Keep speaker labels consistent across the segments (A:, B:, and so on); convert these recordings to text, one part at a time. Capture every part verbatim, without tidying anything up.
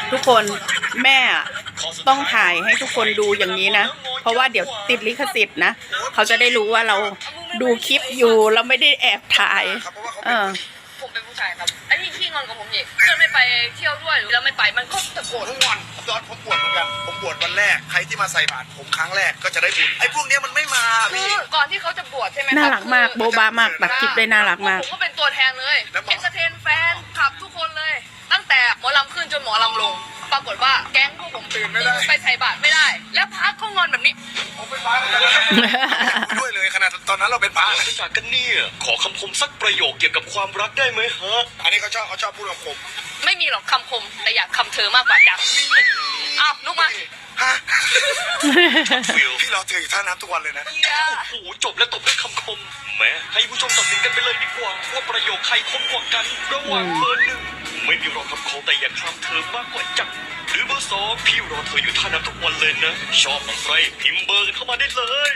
A: ทุกคนแม่ต้องถ่ายให้ทุกคนดูอย่างนี้นะเพราะว่าเดี๋ยวติดลิขสิทธิ์นะเขาจะได้รู้ว่าเราดูคลิปอยู่เราไม่ได้แอบถ่ายเออ
B: ผมเป็นผู้ชายครับไอ้ที่ขี้งอนกับผมอีกเพื่อนไม่ไปเที่ยวด้วยหรือเราไม่ไปมันก็ตะโกน
C: ผมงอนตอนผมบวชเหมือนกันผมบวชวันแรกใครที่มาใส่บาตรผมครั้งแรกก็จะได้บุญไอ้พวกนี้มันไม่มา
B: คื
C: พี่
B: อก่อนที่เขาจะบวชใช่ไหมครับ
A: น่ารักมากโบบามากตัดคลิปได้น่ารักมาก
B: ผมก็เป็นตัวแทนเลยเอนเตอร์เทนแฟนขับทุกคนเลย ตั้งแต่หมอลำขึ้นจนหมอลำลงปรากฏว่าแก๊งพวกผมตื่นไม่ได้ไปใส่บาตรไม่ได้ แล้วพักเขางอนแบบนี้
C: ผมเป็นพระด้วยเลยขนาดตอนนั้นเราเป็นพระ
D: รู้จักกันเนี่ยขอคำคมสักประโยคเกี่ยวกับความรักได้ไหมฮะ
C: อันนี้เขาชอบเขาชอบพูดกับผม
B: ไม่มีหรอกคำคมแต่อยากคำเธอมากกว่าจังอ้าวลุกมา
C: ฮะ
D: ฟิล
C: พี่เราเจออยู่ท่าน้ำทุกวันเลยนะ
D: โอ้โหจบแล้วตบด้วยคำคมแหมให้ผู้ชมตัดสินกันไปเลยดีกว่าว่าประโยคใครคมกว่ากันระหว่างเบอร์หนึ่งไม่มีรอคำคมแต่อยากคำเธอมากกว่าจังหรือเบอร์สองพี่รอเธออยู่ท่าน้ำทุกวันเลยนะชอบอะไรพิมพ์เบอร์กันเข้ามาได้เลย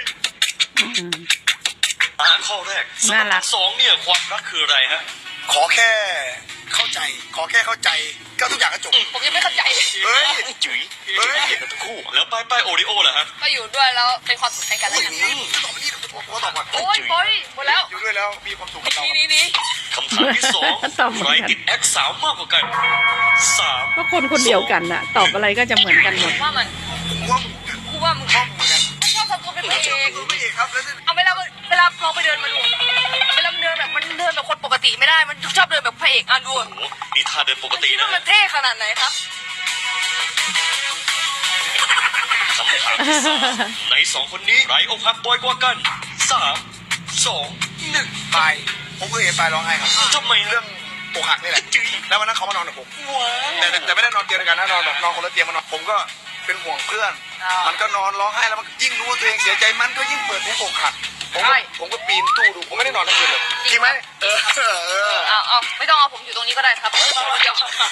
D: อ่านข้อแรก
A: น่ารัก
D: สองเนี่ยความรักคืออะไรฮะ
C: ขอแค่เข้าใจ ขอแค่เข้าใจก็ทุกอย่างก็จบ
B: ผมยังไม่เข้าใจ
C: เฮ้ย
D: จุ๋ย
C: เฮ้ย
D: เห็นกันทั้งคู่แล้วป้ายป้ายโอริโอเหรอฮะ
B: ก็อยู่ด้วยแล้วเป็นความสุขให้กันและกัน
C: ตอบมานี่ผมก็ตอบก่อน
B: โอ้ยโอ้ยหมดแล้ว
C: อยู่ด้วยแล้วมีความสุขกับเรา
B: นี่นี่นี่
D: คำถามที่สอง
A: ตอบเหมือน
D: ใคร
A: กัน
D: ติดแอคสาวมากกว่ากันสาม
A: ก็คนคนเดียวกันน่ะ ตอบอะไรก็จะเหมือนกันหมด
B: ว่ามัน
C: ผมว่า
B: กูว่ามึง
C: ชอบเหมือนกัน
B: ชอบทำตัวเป็นพระเอก
C: ไม่เอกครับแล้วนี่
B: เอาเวลาเวลาลองไปเดินมาดูเวลามันเดินแบบมันเดินแบบคนปกติไม่ได้มันชอบเดินแบบพระเอกอ่ะดู
D: โอ้โหนี่ท่าเดินปกติ
B: คิด
D: นะ
B: ว่ามันเท่ขนาดไหนครับ
D: คำถามที่สามในสองคนนี้ใครอกหักบ่อยกว่ากันสามสองหนึ่ง
C: ไปผมเคยเห็นไปร้องไห้ครับ
D: ทำไม
C: เรื่
D: เรื่
C: อ
D: อง ง
C: อกหักนี่แหละ
D: จื้อ
C: แล้ววันนั้นเขามานอนกับผม
D: ว้า
C: แต่แต่แต่ไม่ได้นอนเตียงเดียวกันนะนอนแบบนอนคนละเตียงมานอนผมก็เป็นห่วงเพื่อน มันก็นอนร้องไห้แล้วมันยิ่งรู้ว่าตัวเองเสียใจมันก็ยิ่งเปิดเพลงอกหักผมก็ผมก็ปีนตู้ดูผมไม่ได้นอนทั้งคืนเลยจริงไหมเออเออ
B: เอาเอาไม่ต้องเอาผมอยู่ตรงนี้ก็ได้ครับเดียว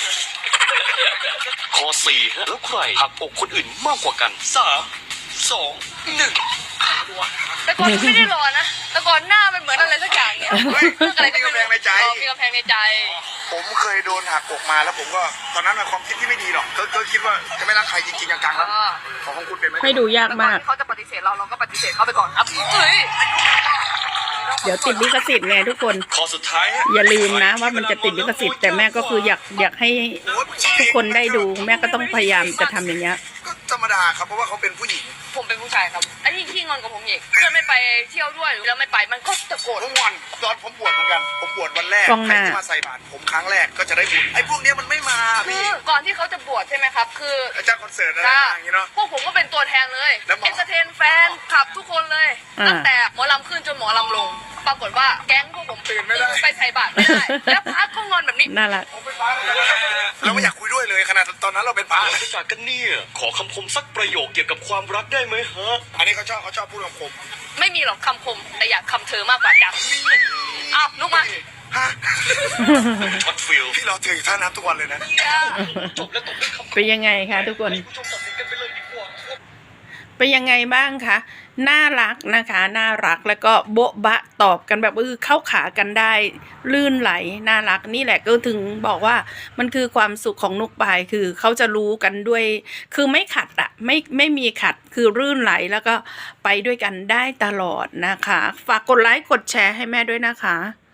D: ข้อสี่ฮะแล้วใครหักอกคนอื่นมากกว่ากันสามสองหนึ่ง
B: แต่ก่อนไม่ได้รอนะแต่ก่อนหน้ามันเหมือนอะไรสักอย่างเนี่ย
C: เฮ้ยมีกำแพงในใจ
B: มีกำแพงในใจ
C: ผมเคยโดนหักอกมาแล้วผมก็ตอนนั้นมันความคิดที่ไม่ดีหรอกก็ก็คิดว่าจะไม่รักใครจริงๆจังๆแล้วของของคุณเป็นไหม
A: ให้ดูยากมาก
B: เขาจะปฏิเสธเราเราก็ปฏิเสธเขาไปก่อนครับเฮ้ย
A: เดี๋ยวติดลิขสิทธิ์ไงทุกคน
D: ข้อสุดท้ายฮะ
A: อย่าลืมนะว่ามันจะติดลิขสิทธิ์แต่แม่ก็คืออยากอยากให้ทุกคนได้ดูแม่ก็ต้องพยายามจะทำอย่างเงี้ย
C: ก็ธรรมดาครับเพราะว่าเขาเป็นผู้หญิง
B: ผมเป็นผู้ชายครับไอ้ที่ขี้งอนกับผมอีกเพื่อนไม่ไปเที่ยวด้วยหรือเราไม่ไปมันก็ตะโกน
C: ผมงอนตอนผมบวชเหมือนกันผมบวชวันแรก
A: กล้องห
C: ใคร
A: น้า
C: ที่มาใส่บาตรผมครั้งแรกก็จะได้บุญไอ้พวกนี้มันไม่มา
B: คื
C: พี่
B: อก่อนที่เขาจะบวชใช่ไหมครับ คือ
C: อาจารย์คอนเสิร์ตอะไร
B: จ้า
C: อย่างเงี้ยเนาะ
B: พวกผมก็เป็นตัวแทนเลย
C: แล้วหมอ
B: เอนเตอร์เทนแฟนขับทุกคนเลย
A: อ่า
B: ตั้งแต่หมอลำขึ้นจนหมอลำลง ปรากฏว่าแก๊งพวกผมตื่นไม่ได้ไปใส่บาตรไม่ได้ แล้วพักเขางอนแบบนี้
A: น่ารัก
C: ผมเป็นพระเหมือนกันเราไม่อยากคุยด้วยเลยขนาดตอนนั้นเราเป็นพระ
D: รู้จักกันเนี่ยขอคำคมสักประโยคเกี่ยวกับความรักได้ไหมฮะ
C: อันนี้เขาชอบเขาชอบพูดกับผม
B: ไม่มีหรอกคำคมแต่อยากคำเธอมากกว่าจังอ้าวลุกมา
C: ฮะ
D: ช็อตฟิล
C: พี่เราเจออยู่ท่าน้ำทุกวันเลยนะ
D: จบแล้วตบด้วยคำคม
A: เป็นยังไงคะทุกคน
D: ให้ผู้ชมตัดสินกันไปเลยดีกว่า
A: เป็นยังไงบ้างคะน่ารักนะคะน่ารักแล้วก็โบ๊ะบะตอบกันแบบเออเข้าขากันได้ลื่นไหลน่ารักนี่แหละก็ถึงบอกว่ามันคือความสุขของนุกปายคือเขาจะรู้กันด้วย คือไม่ขัดอะไม่ไม่มีขัดคือรื่นไหลแล้วก็ไปด้วยกันได้ตลอดนะคะฝากกดไลค์กดแชร์ให้แม่ด้วยนะคะ